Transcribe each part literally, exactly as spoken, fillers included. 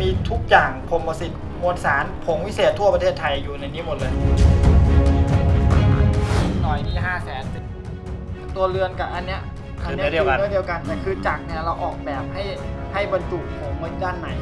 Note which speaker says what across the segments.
Speaker 1: ทุกอย่างพรหมสิทธิ์มวลสารผงวิเศษทั่วประเทศไทยอยู่ในนี้หมดเลยหน่อยนี่ห้าแสนตัวเรือนกับอันเนี้ยอันเนี้ยคือเนื้อเดียวกันแต่คือจักรเนี่ยเราออกแบบให้ให้บรรจุผงไว้ด้านใน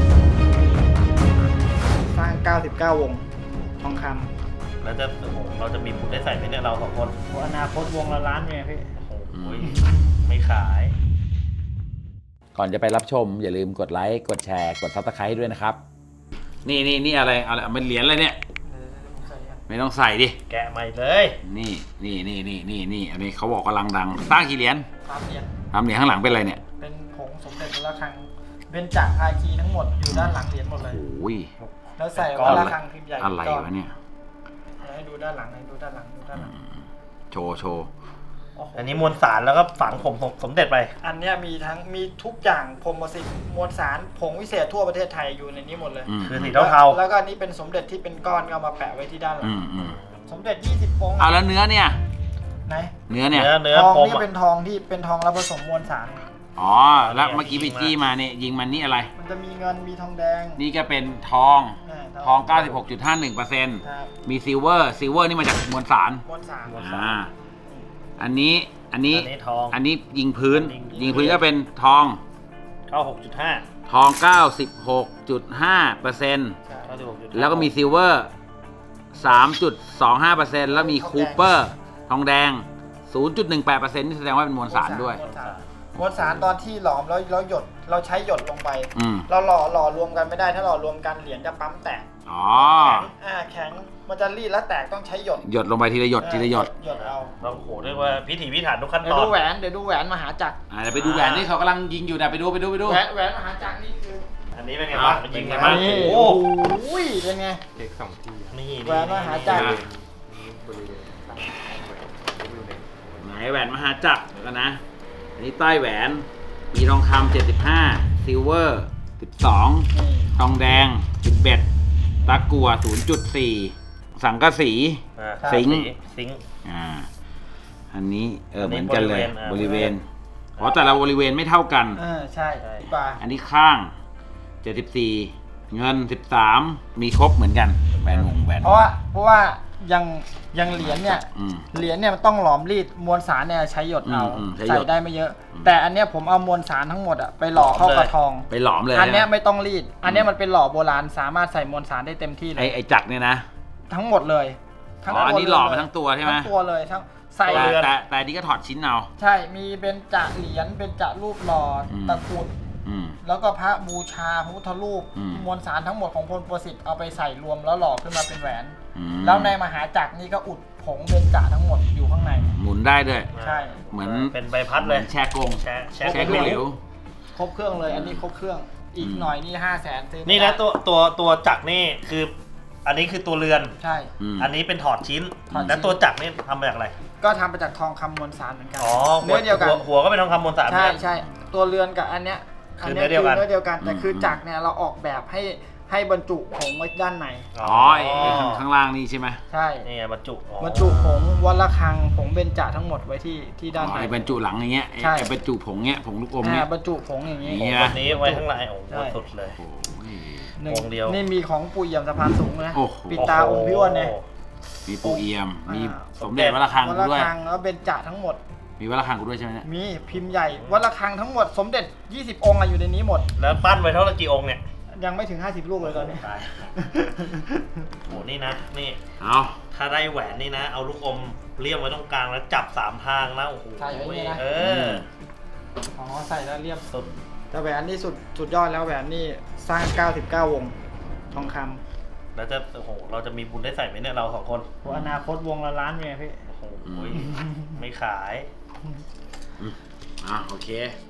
Speaker 1: สร้างเก้าสิบเก้าวงทองคำ
Speaker 2: แล้วจะโอ้โหเราจะมีบุญได้ใส่ไหมเนี่ยเราสองคน
Speaker 1: อนาคตวงละล้านไงพี่
Speaker 2: โอ้โหไม่ขาย
Speaker 3: ก่อนจะไปรับชมอย่าลืมกดไลค์กดแชร์กดซับสไครต์ด้วยนะครับนี่นี่นี่อะไรอะไรมันเหรียญอะไรเนี่ยไม่ต้องใส่ดิ
Speaker 2: แกะใหม่เลย
Speaker 3: นี่นี่นี่นี่นี่นี่อันนี้เขาบอกกำลังดังสร้างกี่เหรียญ
Speaker 1: สามเหรียญ
Speaker 3: สามเหรียญข้างหลังเป็นอะไรเนี่ย
Speaker 1: เป็นผงสมเด็จวัดระฆังเบญจภาคีทั้งหมดอยู่ด้านหลังเหรียญหมดเลย
Speaker 3: โอ้ย
Speaker 1: แล้วใส่วัดระฆังพิมพ์ใหญ่
Speaker 3: อะไรวะเนี่ย
Speaker 1: ให้ดูด้านหลังให้ดูด้านหลังดูด้านหลัง
Speaker 3: โชว์โชว์
Speaker 2: อันนี้มวลสารแล้วก็ฝังผมสมเด็จไป
Speaker 1: อันนี้มีทั้งมีทุกอย่างพรหมสิทธิ์มวลสารผงวิเศษทั่วประเทศไทยอยู่ในนี้หมดเลย
Speaker 2: คือสีเทา
Speaker 1: ๆแล้วก็นี่เป็นสมเด็จที่เป็นก้อนก็มาแปะไว้ที่ด้านหลังสมเด็จยี่สิบองค์
Speaker 3: เอาแล้วเนื้อเนี่ย
Speaker 1: ไหน
Speaker 3: เนื้อเนี่ย
Speaker 1: ทองนี่เป็นทองที่เป็นทองแล้วผสมมวลสาร
Speaker 3: อ๋อแล้วเมื่อกี้ไปจี้มาเนี่ยยิงมันนี่อะไร
Speaker 1: มันจะมีเงินมีทองแดง
Speaker 3: นี่ก็เป็นทองทอง เก้าสิบหกจุดห้าหนึ่งเปอร์เซ็นต์ มีซิลเวอร์ซิลเวอร์นี่มาจากมวลสาร
Speaker 1: มวลสาร
Speaker 3: อ่าอันนี้อันนี้
Speaker 2: ทอง
Speaker 3: อันนี้ยิงพื้นยิงพื้นก็เป็นทอง
Speaker 2: เก้าสิบหกจุดห้า
Speaker 3: ทอง เก้าสิบหกจุดห้าเปอร์เซ็นต์ แล้วก็มีซิลเวอร์ สามจุดสองห้าเปอร์เซ็นต์ แล้วมีคูเปอร์ทองแดง ศูนย์จุดหนึ่งแปดเปอร์เซ็นต์ นี่แสดงว่าเป็นมวลสารด้วย
Speaker 1: มวลสารตอนที่หลอมแล้วเราหยดเราใช้หยดลงไปเราหล่อหล่อรวมกันไม่ได้ถ้าหล่อรวมกันเหรียญจะปั๊มแตก
Speaker 3: อ๋อ
Speaker 1: อ่าแข็งมันจะรีดแล้วแตกต้องใช้หยด
Speaker 3: หยดลงไปทีละหยดทีละหยด
Speaker 1: หยดเอา
Speaker 2: เราโหเรียกว่าพิถีพิถันทุกขั้นตอน
Speaker 1: เดี๋ยวดูแหวนเดี๋ยวดูแหวนมหาจักร
Speaker 3: อ่าเดี๋ยวไปดูแหวนที่เขากำลังยิงอยู่นะไปดูไปดูไปดู
Speaker 1: แหวนแหวนมหาจักรนี่คือ
Speaker 2: อันนี้เป็นไงบ้าง
Speaker 1: มัน
Speaker 2: ยิงไง
Speaker 1: บ้างโอ้โห
Speaker 2: เ
Speaker 1: ป็นไง
Speaker 2: เด็กสองที
Speaker 1: นี่แหวนมหาจักร
Speaker 3: ไหนแหวนมหาจักรแล้วนะอันนี้ใต้แหวนมีทองคำเจ็ดสิบห้าซิลเวอร์สิบสองทองแดงสิบเอ็ดตะกั่ว ศูนย์จุดสี่ สังกะสีสิง
Speaker 2: สิง
Speaker 3: อ่าอันนี้เออเหมือนกันเลยบริเวณอ๋อแต่ละบริเวณไม่เท่ากัน
Speaker 1: เออใช่ป่ะ
Speaker 3: อันนี้ข้างเจ็ดสิบสี่เงินสิบสามมีครบเหมือนกันแหวนวงแหวน
Speaker 1: เพราะว่าเพราะว่ายังยังเหรียญเนี่ยเหรียญเนี่ยมันต้องหลอมรีดมวลสารเนี่ยใช้หยดเอาใส่ได้ไม่เยอะแต่อันเนี้ยผมเอามวลสารทั้งหมดอะไปหล่อเข้ากระทอง
Speaker 3: ไปหลอมเลย
Speaker 1: อันเนี้ยไม่ต้องรีดอันเนี้ยมันเป็นหล่อโบราณสามารถใส่มวลสารได้เต็มที่เลย
Speaker 3: ไอไอจักรเนี่ยนะ
Speaker 1: ทั้งหมดเลย
Speaker 3: ทั้งอันนี้หล่อมาทั้งตัวใช่ไหม
Speaker 1: ทั้งตัวเลยทั้ง
Speaker 3: ใส่แต่แต่นี้ก็ถอดชิ้นเอา
Speaker 1: ใช่มีเป็นจะเหรียญเป็นจะรูปหล่อตะกุดแล้วก็พระบูชาพระพุทธรูปมวลสารทั้งหมดของพลประสิทธิ์เอาไปใส่รวมแล้วหล่อขึ้นมาเป็นแหวนแล้วในมหาจักรนี่ก็อุดผงเบญจทั้งหมดอยู่ข้างใน
Speaker 3: หมุนได้ด้วย
Speaker 1: ใช่
Speaker 3: เหมือน
Speaker 2: เป็นใบพัดเลย
Speaker 3: แช่กง
Speaker 2: แช่แช่
Speaker 3: กงเหลว
Speaker 1: ครบเครื่องเลยอันนี้ครบเครื่องอีกหน่อยนี่ห้าแสนซื้อ
Speaker 2: นี่นะตัวตัวตัวจักรนี่คืออันนี้คือตัวเรือน
Speaker 1: ใช่
Speaker 2: อันนี้เป็นถอดชิ้นแล้วตัวจักรนี่ทำมาจากอะไร
Speaker 1: ก็ทำมาจากทองคำมวลสารเหมือนกัน
Speaker 2: เนื้อเดียวกันหัวก็เป็นทองคำมวลสาร
Speaker 1: ใช่ใช่ตัวเรือนกับอันเนี้ย
Speaker 2: คือเนื้อเดียวกัน
Speaker 1: เนื้อเดียวกันแต่คือจักรเนี่ยเราออกแบบให้ให้บรรจุผงไว้ด้านใน
Speaker 3: อ๋อข้างล่างนี่ใช่ไหม
Speaker 1: ใช่
Speaker 2: นี่ไงบรรจุ
Speaker 1: บรรจุผงวัดระฆังผงเบญจทั้งหมดไว้ที่ที่ด้านใน
Speaker 3: บรรจุหลังอย่างเงี้ยใช่บรรจุผงเงี้ยผงลูกอมเนี้ย
Speaker 1: บรรจุผงอย่าง
Speaker 2: งี้แบบนี้ไว้ข้างในโอ้โหสุดเลย
Speaker 1: วงเดียวนี่มีของปู่เอี่ยมสะพานสูงนะปิดตาองค์พี่อ้วนเนี่ย
Speaker 3: มีปู่เอี่ยมมีสมเด็จวัดระฆังด้วย
Speaker 1: วัดระฆังแล้วเบญจทั้งหมด
Speaker 3: มีวัดระฆังกูด้วยใช่ไหม
Speaker 1: มีพิมพ์ใหญ่วัดระฆังทั้งหมดสมเด็จยี่สิบองค์อยู่ในนี้หมด
Speaker 2: แล้วปั้นไว้เท่าไหร่กี่องค์เนี่ย
Speaker 1: ยังไม่ถึงห้าสิบลูกเลยตอนนี้
Speaker 2: โหนี่นะนี่
Speaker 3: เอา
Speaker 2: ถ้าได้แหวนนี่นะเอาลูกอมเลี่ยมไว้ตรงกลางแล้วจับสามทางนะโอ้โห
Speaker 1: ใช่ไว้นะ
Speaker 2: เออ
Speaker 1: อ๋อใส่แล้วเลี่ยมสุดแต่แหวนนี่สุดสุดยอดแล้วแหวนนี่สร้างเก้าสิบเก้าวงทองค
Speaker 2: ำแล้วจะโอ้โหเราจะมีบุญได้ใส่ไหมเนี่ยเราสองคน
Speaker 1: อนาคตวงละล้านไงพี่
Speaker 2: โอ้โหไม่ขาย
Speaker 3: อ่ะโอเค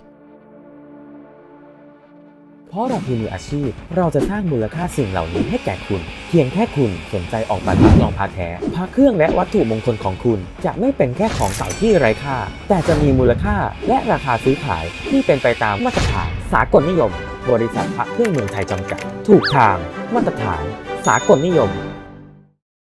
Speaker 4: เพราะเราคือมืออาชีพเราจะสร้างมูลค่าสิ่งเหล่านี้ให้แก่คุณเพียงแค่คุณสนใจออกแบบรับรองพาแท้พาเครื่องและวัตถุมงคลของคุณจะไม่เป็นแค่ของเก่าที่ไร้ค่าแต่จะมีมูลค่าและราคาซื้อขายที่เป็นไปตามมาตรฐานสากลนิยมบริษัทพระเครื่องเมืองไทยจำกัดถูกทางมาตรฐานสากลนิยม